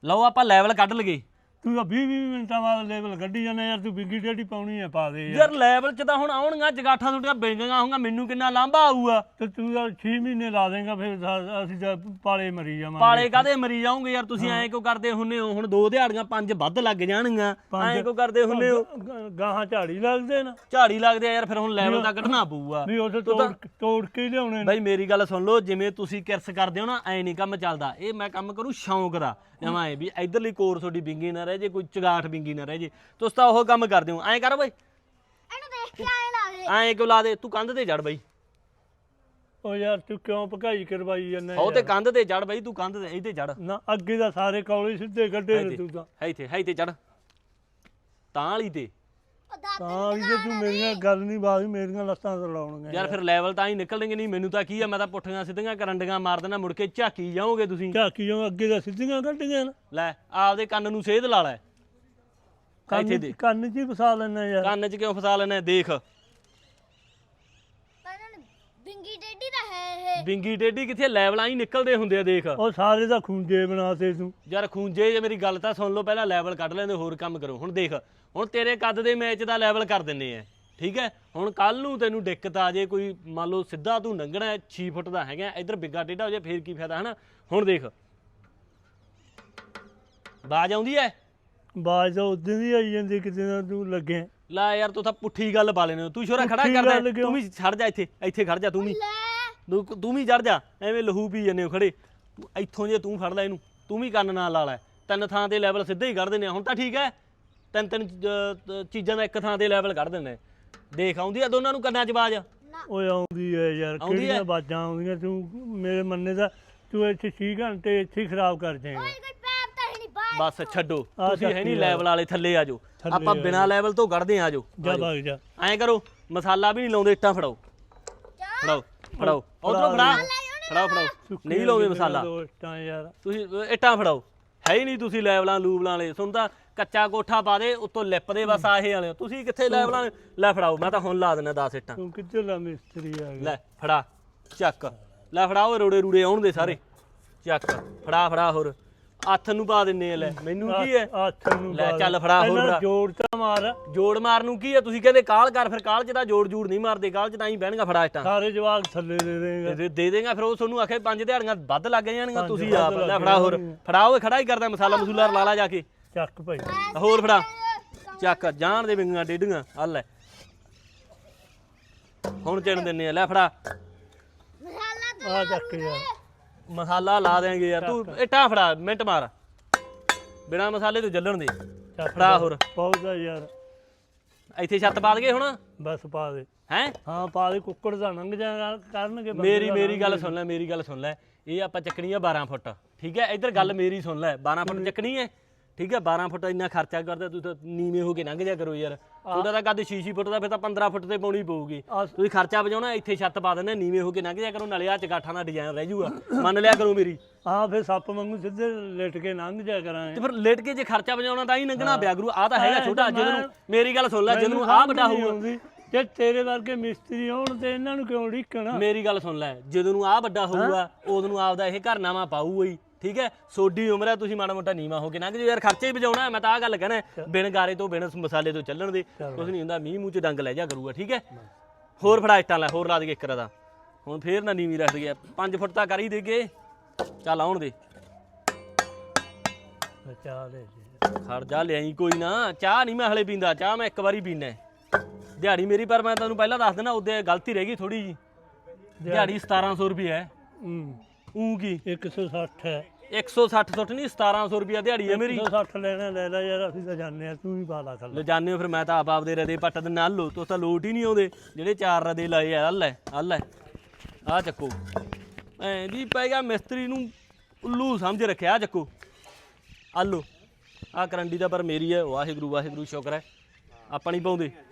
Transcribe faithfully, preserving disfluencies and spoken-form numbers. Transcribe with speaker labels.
Speaker 1: ਲਓ ਆਪਾਂ ਲੈਵਲ ਕੱਢ ਲਗੇ।
Speaker 2: ਤੂੰ ਤਾਂ ਵੀਹ ਵੀਹ ਮਿੰਟਾਂ ਬਾਅਦ ਲੈਵਲ ਕੱਢੀ ਜਾਂਦਾ ਯਾਰ। ਤੂੰ ਬਿੰਗੀ ਟੇਢੀ ਪਾਉਣੀ ਹੈ ਪਾ ਦੇ
Speaker 1: ਯਾਰ ਲੈਵਲ ਚ ਤਾਂ ਹੁਣ ਆਉਣਗੀਆਂ ਜਗਾਠਾਂ ਤੁਹਾਡੀਆਂ ਬਿੰਗੀਆਂ ਹੋਊਗਾ, ਮੈਨੂੰ ਕਿੰਨਾ ਲਾਂਭਾ ਆਊਗਾ।
Speaker 2: ਤੇ ਤੂੰ ਤਾਂ ਛੇ ਮਹੀਨੇ ਲਾ ਦੇਂਗਾ ਫਿਰ ਅਸੀਂ ਤਾਂ ਪਾਲੇ ਮਰੀ ਜਾਵਾਂਗੇ।
Speaker 1: ਪਾਲੇ ਕਾਹਦੇ ਮਰੀ ਜਾਓਗੇ ਯਾਰ ਤੁਸੀਂ? ਐਂ ਕਿਉਂ ਕਰਦੇ ਹੁੰਨੇ ਹੋ? ਹੁਣ ਦੋ ਦਿਹਾੜੀਆਂ ਪੰਜ ਵੱਧ ਲੱਗ ਜਾਣਗੀਆਂ, ਐਂ ਕਿਉਂ ਕਰਦੇ ਹੁੰਨੇ ਹੋ?
Speaker 2: ਗਾਹਾਂ ਝਾੜੀ ਲੱਗਦੇ ਨਾ।
Speaker 1: ਝਾੜੀ ਲੱਗਦੇ ਆ ਯਾਰ, ਫਿਰ ਹੁਣ ਲੈਵਲ ਤਾਂ ਕੱਢਣਾ ਪਊਗਾ
Speaker 2: ਵੀ ਉੱਥੇ ਤੋੜ ਤੋੜ ਕੇ ਲਿਆਉਣੇ।
Speaker 1: ਬਾਈ ਮੇਰੀ ਗੱਲ ਸੁਣ ਲਓ, ਜਿਵੇਂ ਤੁਸੀਂ ਕਿਰਸ ਕਰਦੇ ਹੋ ਨਾ ਐਂ ਨਹੀਂ ਕੰਮ ਚੱਲਦਾ। ਇਹ ਮੈਂ ਕੰਮ ਕਰੂੰ ਸ਼ੌਂਕ ਦਾ, ਜਮਾਂ ਐ ਵੀ ਇਧਰਲੀ ਕੋਰ ਤੁਹਾਡੀ ਬਿੰਗੀ ਨਾ ਰਹਿ ਜੇ, ਕੋਈ ਚਗਾਠ ਬਿੰਗੀ ਨਾ ਰਹਿ ਜੇ। ਤੁਸੀਂ ਤਾਂ ਉਹ ਕੰਮ ਕਰਦੇ ਹੋ। ਐਂ ਕਰ ਬਈ,
Speaker 3: ਇਹਨੂੰ ਦੇਖ ਕੇ ਐਂ ਲਾ ਦੇ।
Speaker 1: ਐਂ ਕਿਉਂ ਲਾ ਦੇ? ਤੂੰ ਕੰਧ ਤੇ ਚੜ ਬਈ।
Speaker 2: ਉਹ ਯਾਰ ਤੂੰ ਕਿਉਂ ਭਕਾਈ ਕਰਵਾਈ ਜਾਂਦਾ?
Speaker 1: ਉਹ ਤੇ ਕੰਧ ਤੇ ਚੜ ਬਈ, ਤੂੰ ਕੰਧ ਤੇ ਇੱਥੇ ਚੜ
Speaker 2: ਨਾ। ਅੱਗੇ ਦਾ ਸਾਰੇ ਕੌਲੇ ਸਿੱਧੇ ਕੱਢੇ ਨੇ ਤੂੰ ਤਾਂ।
Speaker 1: ਹੈ ਇੱਥੇ ਹੈ ਇੱਥੇ ਚੜ ਤਾਂ ਵਾਲੀ ਤੇ।
Speaker 2: ਤਾਂ ਵੀ ਜੇ ਤੂੰ ਮੇਰੀਆਂ ਗੱਲ ਨਹੀਂ ਬਾਤ ਮੇਰੀਆਂ ਲੱਤਾਂ ਤੜਾਉਣਗੀਆਂ
Speaker 1: ਯਾਰ। ਫਿਰ ਲੈਵਲ ਤਾਂ ਹੀ ਨਿਕਲਣਗੇ ਨਹੀਂ। ਮੈਨੂੰ ਤਾਂ ਕੀ ਆ, ਮੈਂ ਤਾਂ ਪੁੱਠੀਆਂ ਸਿੱਧੀਆਂ ਕਰੰਡੀਆਂ ਮਾਰ ਦੇਣਾ, ਮੁੜ ਕੇ ਝਾਕੀ ਜਾਓਗੇ ਤੁਸੀਂ।
Speaker 2: ਝਾਕੀ ਜਾਓ ਅੱਗੇ ਦਾ ਸਿੱਧੀਆਂ ਕੱਢੀਆਂ ਨਾ।
Speaker 1: ਲੈ ਆਪਦੇ ਕੰਨ ਨੂੰ ਸੇਧ ਲਾ ਲੈ। ਇੱਥੇ ਦੇ
Speaker 2: ਕੰਨ 'ਚ ਹੀ ਫਸਾ ਲੈਣਾ ਯਾਰ।
Speaker 1: ਕੰਨ 'ਚ ਕਿਉਂ ਫਸਾ ਲੈਣਾ? ਦੇਖ
Speaker 3: ਬਿੰਗੀ ਟੇਢੀ ਤਾਂ ਹੈ ਇਹ।
Speaker 1: ਬਿੰਗੀ ਟੇਢੀ ਕਿੱਥੇ? ਲੈਵਲਾਂ ਹੀ ਨਿਕਲਦੇ ਹੁੰਦੇ ਆ ਦੇਖ।
Speaker 2: ਉਹ ਸਾਰੇ ਦਾ ਖੂੰਜੇ ਬਣਾਤੇ ਤੂੰ
Speaker 1: ਯਾਰ ਖੂੰਜੇ, ਜੇ ਮੇਰੀ ਗੱਲ ਤਾਂ ਸੁਣ ਲਓ ਪਹਿਲਾਂ। ਲੈਵਲ ਕੱਢ ਲੈਂਦੇ, ਹੋਰ ਕੰਮ ਕਰੋ। ਹੁਣ ਦੇਖ, ਹੁਣ ਤੇਰੇ ਕੱਦ ਦੇ ਮੈਚ ਦਾ ਲੈਵਲ ਕਰ ਦਿੰਨੇ ਆ, ਠੀਕ ਹੈ। ਹੁਣ ਕੱਲ ਨੂੰ ਤੈਨੂੰ ਦਿੱਕਤ ਆ ਜੇ ਕੋਈ, ਮੰਨ ਲਓ ਸਿੱਧਾ ਤੂੰ ਲੰਘਣਾ ਛੇ ਫੁੱਟ ਦਾ ਹੈਗਾ, ਇੱਧਰ ਬਿੱਗਾ ਟੇਢਾ ਹੋ ਜਾਏ ਫੇਰ ਕੀ ਫਾਇਦਾ ਹਨਾ। ਹੁਣ ਦੇਖ ਬਾਜ ਆਉਂਦੀ ਐ।
Speaker 2: ਬਾਜ ਤਾਂ ਉਦੋਂ ਦੀ ਆਈ ਜਾਂਦੀ ਕਿਤੇ ਨਾ ਤੂੰ ਲੱਗੇ।
Speaker 1: ਲੈ ਯਾਰ ਤੂੰ ਤਾਂ ਪੁੱਠੀ ਗੱਲ ਪਾ ਲੈਨੇ। ਤੂੰ ਸ਼ੋਰਾ ਖੜਾ ਕਰਦਾ, ਤੂੰ ਵੀ ਛੱਡ ਜਾ ਇੱਥੇ, ਇੱਥੇ ਖੜ ਜਾ ਤੂੰ ਵੀ। ਤੂੰ ਤੂੰ ਵੀ ਚੜ ਜਾ, ਐਵੇਂ ਲਹੂ ਪੀ ਜੰਨੇ ਹੋ ਖੜੇ। ਇੱਥੋਂ ਜੇ ਤੂੰ ਫੜ ਲੈ ਇਹਨੂੰ, ਤੂੰ ਵੀ ਕੰਨ ਨਾਲ ਲਾ ਲੈ। ਤਿੰਨ ਥਾਂ ਤੇ ਲੈਵਲ ਸਿੱਧੇ ਹੀ ਕੱਢ ਦਿੰਦੇ ਆ ਹੁਣ ਤਾਂ, ਠੀਕ ਹੈ। ਤਿੰਨ ਤਿੰਨ ਚੀਜ਼ਾਂ ਦਾ ਇੱਕ ਥਾਂ ਤੇ ਲੈਵਲ ਕੱਢ ਦਿੰਦੇ। ਦੇਖ ਆਉਂਦੀ ਆ ਦੋਨਾਂ ਨੂੰ ਕੰਨਾਂ 'ਚ ਬਾਜ?
Speaker 2: ਓਏ ਆਉਂਦੀ ਐ ਯਾਰ, ਕਿਹੜੀਆਂ ਬਾਜਾਂ ਆਉਂਦੀਆਂ। ਤੂੰ ਮੇਰੇ ਮੰਨੇ ਦਾ ਤੂੰ ਇੱਥੇ ਛੇ ਘੰਟੇ ਇੱਥੇ ਖਰਾਬ ਕਰ ਜਾਏਗਾ।
Speaker 1: ਬਸ ਛੱਡੋ, ਤੁਸੀਂ ਹੈ ਨਹੀਂ ਲੈਵਲ ਵਾਲੇ, ਥੱਲੇ ਆ ਜਾਓ। ਆਪਾਂ ਬਿਨਾਂ ਲੈਵਲ ਤੋਂ ਕੱਢਦੇ ਆ ਜਾਓ।
Speaker 2: ਜਾ ਭਗ ਜਾ।
Speaker 1: ਐਂ ਕਰੋ, ਮਸਾਲਾ ਵੀ ਨਹੀਂ ਲਾਉਂਦੇ, ਇੱਟਾਂ ਫੜਾਓ ਫੜਾਓ ਫੜਾਓ ਉਧਰੋਂ ਫੜਾ ਫੜਾਓ ਫੜਾਓ। ਨਹੀਂ ਲਾਉਂਦੇ ਮਸਾਲਾ
Speaker 2: ਯਾਰ,
Speaker 1: ਤੁਸੀਂ ਇੱਟਾਂ ਫੜਾਓ। ਹੈ ਹੀ ਨਹੀਂ ਤੁਸੀਂ ਲੈਵਲਾਂ ਲੂਵਲਾਂ ਵਾਲੇ। ਸੁਣ ਤਾਂ ਕੱਚਾ ਕੋਠਾ ਪਾ ਦੇ ਉੱਤੋਂ ਲਿਪ ਦੇ, ਬਸ ਆਹੇ ਵਾਲੇ ਤੁਸੀਂ ਕਿੱਥੇ ਲੈਵਲਾਂ। ਲੈ ਫੜਾਓ, ਮੈਂ ਤਾਂ ਹੁਣ ਲਾ ਦਿੰਦਾ ਦਸ ਇੱਟਾਂ।
Speaker 2: ਤੂੰ ਕਿੱਥੇ ਲਾ ਮਿਸਤਰੀ ਆ ਗਿਆ।
Speaker 1: ਲੈ ਫੜਾ ਚੱਕ, ਲੈ ਫੜਾਓ ਰੋੜੇ ਰੂੜੇ ਆਉਣ ਦੇ ਸਾਰੇ। ਚੱਕ ਫੜਾ ਫੜਾ, ਹੋਰ ਹੱਥ ਨੂੰ ਪਾ ਦਿੰਨੇ ਆ। ਲੈ ਮੈਨੂੰ ਕੀ ਹੈ?
Speaker 2: ਹੱਥ ਨੂੰ
Speaker 1: ਲੈ ਚੱਲ ਫੜਾ, ਹੋਰ ਫੜਾ।
Speaker 2: ਜੋੜ ਤਾਂ ਮਾਰ।
Speaker 1: ਜੋੜ ਮਾਰਨ ਨੂੰ ਕੀ ਹੈ? ਤੁਸੀਂ ਕਹਿੰਦੇ ਕਾਲ ਕਰ, ਫਿਰ ਕਾਲ ਚ ਤਾਂ ਜੋੜ ਜੂੜ ਨਹੀਂ ਮਾਰਦੇ। ਕਾਲ ਚ ਤਾਂ ਹੀ ਬਹਿਣਗਾ। ਫੜਾ ਇੱਟਾਂ
Speaker 2: ਸਾਰੇ ਜਵਾਕ ਥੱਲੇ ਦੇ ਦੇਗਾ।
Speaker 1: ਦੇ ਦੇ ਦੇਗਾ, ਫਿਰ ਉਹ ਤੁਹਾਨੂੰ ਆਖੇ ਪੰਜ ਦਿਹਾੜੀਆਂ ਵੱਧ ਲੱਗ ਜਾਣਗੀਆਂ। ਤੁਸੀਂ ਆਪ ਲੈ ਫੜਾ, ਹੋਰ ਫੜਾ। ਉਹ ਖੜਾ ਹੀ ਕਰਦਾ ਮਸਾਲਾ ਮਸੂਲਾ ਲਾ ਲਾ ਜਾ ਕੇ।
Speaker 2: ਚੱਕ ਭਾਈ,
Speaker 1: ਹੋਰ ਫੜਾ। ਚੱਕ ਜਾਣ ਦੇ ਬਿੰਗੀਆਂ ਡੇਢੀਆਂ। ਆ ਲੈ ਹੁਣ ਚਿਣ ਦਿੰਨੇ ਆ। ਲੈ ਫੜਾ
Speaker 2: ਆ ਚੱਕ ਯਾਰ,
Speaker 1: ਮਸਾਲਾ ਲਾ ਦੇਂਗੇ ਯਾਰ। ਤੂੰ ਇੱਟਾਂ ਫੜਾ, ਮਿੰਟ ਮਾਰ ਬਿਨਾ ਮਸਾਲੇ ਤੋਂ ਜੱਲਣ ਦੇ। ਫੜਾ ਹੋਰ
Speaker 2: ਪੌਦਾ ਯਾਰ।
Speaker 1: ਇੱਥੇ ਛੱਤ ਪਾ ਦਗੇ ਹੁਣ,
Speaker 2: ਬਸ ਪਾ ਦੇ।
Speaker 1: ਹੈ
Speaker 2: ਹਾਂ ਪਾ ਦੇ। ਕੁੱਕੜ ਦਾ ਲੰਘ ਜਾ ਕਰਨਗੇ।
Speaker 1: ਮੇਰੀ ਮੇਰੀ ਗੱਲ ਸੁਣ ਲੈ, ਮੇਰੀ ਗੱਲ ਸੁਣ ਲੈ। ਇਹ ਆਪਾਂ ਚੱਕਣੀ ਆ ਬਾਰਾਂ ਫੁੱਟ, ਠੀਕ ਹੈ। ਇੱਧਰ ਗੱਲ ਮੇਰੀ ਸੁਣ ਲੈ। ਬਾਰਾਂ ਫੁੱਟ ਚੱਕਣੀ ਹੈ, ਠੀਕ ਹੈ। ਬਾਰਾਂ ਫੁੱਟ ਇੰਨਾ ਖਰਚਾ ਕਰਦਾ, ਤੁਸੀਂ ਤਾਂ ਨੀਵੇਂ ਹੋ ਕੇ ਲੰਘ ਜਾ ਕਰੋ ਯਾਰ। ਤੁਹਾਡਾ ਤਾਂ ਕੱਦ ਛੇ ਛੇ ਫੁੱਟ ਦਾ, ਫਿਰ ਤਾਂ ਪੰਦਰਾਂ ਫੁੱਟ ਤੇ ਪਾਉਣੀ ਪਊਗੀ। ਤੁਸੀਂ ਖਰਚਾ ਬਚਾਉਣਾ, ਇੱਥੇ ਛੱਤ ਪਾ ਦਿੰਦੇ, ਨੀਵੇਂ ਹੋ ਕੇ ਲੰਘ ਜਾ ਕਰੋ। ਨਾਲੇ ਆ ਚਗਾਠਾਂ ਦਾ ਡਿਜ਼ਾਈਨ ਰਹਿ ਜੂਗਾ, ਮੰਨ ਲਿਆ ਕਰੋ ਮੇਰੀ।
Speaker 2: ਹਾਂ ਫਿਰ ਸੱਪ ਵਾਂਗੂ ਸਿੱਧੇ ਲਿਟ ਕੇ ਲੰਘ ਜਾ ਕਰਾਂਗੇ।
Speaker 1: ਤੇ ਫਿਰ ਲੇਟ ਕੇ ਜੇ ਖਰਚਾ ਬਚਾਉਣਾ ਤਾਂ ਹੀ ਲੰਘਣਾ ਪਿਆ ਗੁਰੂ। ਆ ਤਾਂ ਹੈਗਾ ਛੋਟਾ। ਜਦੋਂ ਮੇਰੀ ਗੱਲ ਸੁਣ ਲੈ, ਜਦੋਂ ਆ ਵੱਡਾ ਹੋਊਗਾ,
Speaker 2: ਜੇ ਤੇਰੇ ਵਰਗੇ ਮਿਸਤਰੀ ਹੋਣ ਤੇ ਇਹਨਾਂ ਨੂੰ ਕਿਉਂ ਢੀਕਣਾ?
Speaker 1: ਮੇਰੀ ਗੱਲ ਸੁਣ ਲੈ, ਜਦੋਂ ਨੂੰ ਆ ਵੱਡਾ ਹੋਊਗਾ ਉਦੋਂ ਨੂੰ ਆਪਦਾ ਇਹ ਘਰ ਨਾਵਾਂ ਪਾਊਗਾ ਹੀ, ਠੀਕ ਹੈ। ਸੋਡੀ ਉਮਰ ਹੈ, ਤੁਸੀਂ ਮਾੜਾ ਮੋਟਾ ਨੀਵਾਂ ਹੋ ਕੇ ਲੰਘ ਜਾਓ ਯਾਰ। ਖਰਚੇ ਹੀ ਬਚਾਉਣਾ। ਮੈਂ ਤਾਂ ਆਹ ਗੱਲ ਕਹਿਣਾ, ਬਿਨ ਗਾਰੇ ਤੋਂ ਬਿਨ ਮਸਾਲੇ ਤੋਂ ਚੱਲਣ ਦੇ ਕੁਝ ਨਹੀਂ ਹੁੰਦਾ। ਮੀਂਹ ਮੂੰਹ ਚ ਡੰਗ ਲੈ ਜਾ ਕਰੂਗਾ, ਠੀਕ ਹੈ। ਹੋਰ ਫੜਾ ਇੱਟਾਂ ਲੈ, ਹੋਰ ਲਾ ਦੇ ਇੱਕ ਦਾ। ਹੁਣ ਫੇਰ ਨਾ ਨੀਵੀਂ ਰੱਖ ਦਈਏ। ਪੰਜ ਫੁੱਟ ਤਾਂ ਕਰ ਹੀ ਦੇਗੇ। ਚੱਲ ਆਉਣ ਦੇ।
Speaker 2: ਚਾਹ ਲੈ
Speaker 1: ਖੜ ਜਾ, ਲਿਆਈ ਕੋਈ ਨਾ। ਚਾਹ ਨਹੀਂ ਮੈਂ ਹਲੇ ਪੀਂਦਾ, ਚਾਹ ਮੈਂ ਇੱਕ ਵਾਰੀ ਪੀਣਾ ਦਿਹਾੜੀ ਮੇਰੀ। ਪਰ ਮੈਂ ਤੁਹਾਨੂੰ ਪਹਿਲਾਂ ਦੱਸ ਦੇਣਾ, ਉਹਦੇ ਗਲਤੀ ਰਹਿ ਗਈ ਥੋੜੀ ਜੀ। ਦਿਹਾੜੀ ਸਤਾਰਾਂ ਸੌ ਰੁਪਏ ਹੈ। ਊਂ ਕੀ
Speaker 2: ਇੱਕ ਸੌ ਸੱਠ ਹੈ।
Speaker 1: ਇੱਕ ਸੌ ਸੱਠ ਸੁੱਟ ਨਹੀਂ, ਸਤਾਰਾਂ ਸੌ ਰੁਪਇਆ ਦਿਹਾੜੀ ਹੈ ਮੇਰੀ।
Speaker 2: ਇੱਕ ਸੌ ਸੱਠ ਲੈਣਾ ਲੈ ਲੈ ਯਾਰ, ਅਸੀਂ ਤਾਂ ਜਾਣਦੇ ਆ। ਤੂੰ ਹੀ ਪਾ ਲਾ ਥੱਲੇ।
Speaker 1: ਲੈ ਜਾਣੇ ਹੋ ਫਿਰ। ਮੈਂ ਤਾਂ ਆਪ ਆਪਦੇ ਰਦੇ ਪੱਟ ਦੇ ਨਾਲ ਲੋ। ਤੁਸੀਂ ਤਾਂ ਲੋਟ ਹੀ ਨਹੀਂ ਆਉਂਦੇ ਜਿਹੜੇ ਚਾਰ ਰਦੇ ਲਾਏ ਆ। ਲੈ ਆ ਲੈ ਆ ਚੱਕੋ। ਐਂ ਜੀ ਪੈ ਗਿਆ ਮਿਸਤਰੀ ਨੂੰ ਉੱਲੂ ਸਮਝ ਰੱਖਿਆ। ਆ ਚੱਕੋ ਆ ਲੋ। ਆ ਕਰੰਡੀ ਦਾ ਪਰ ਮੇਰੀ ਹੈ। ਵਾਹਿਗੁਰੂ ਵਾਹਿਗੁਰੂ ਸ਼ੁਕਰ ਹੈ ਆਪਾਂ ਨਹੀਂ ਪਾਉਂਦੇ।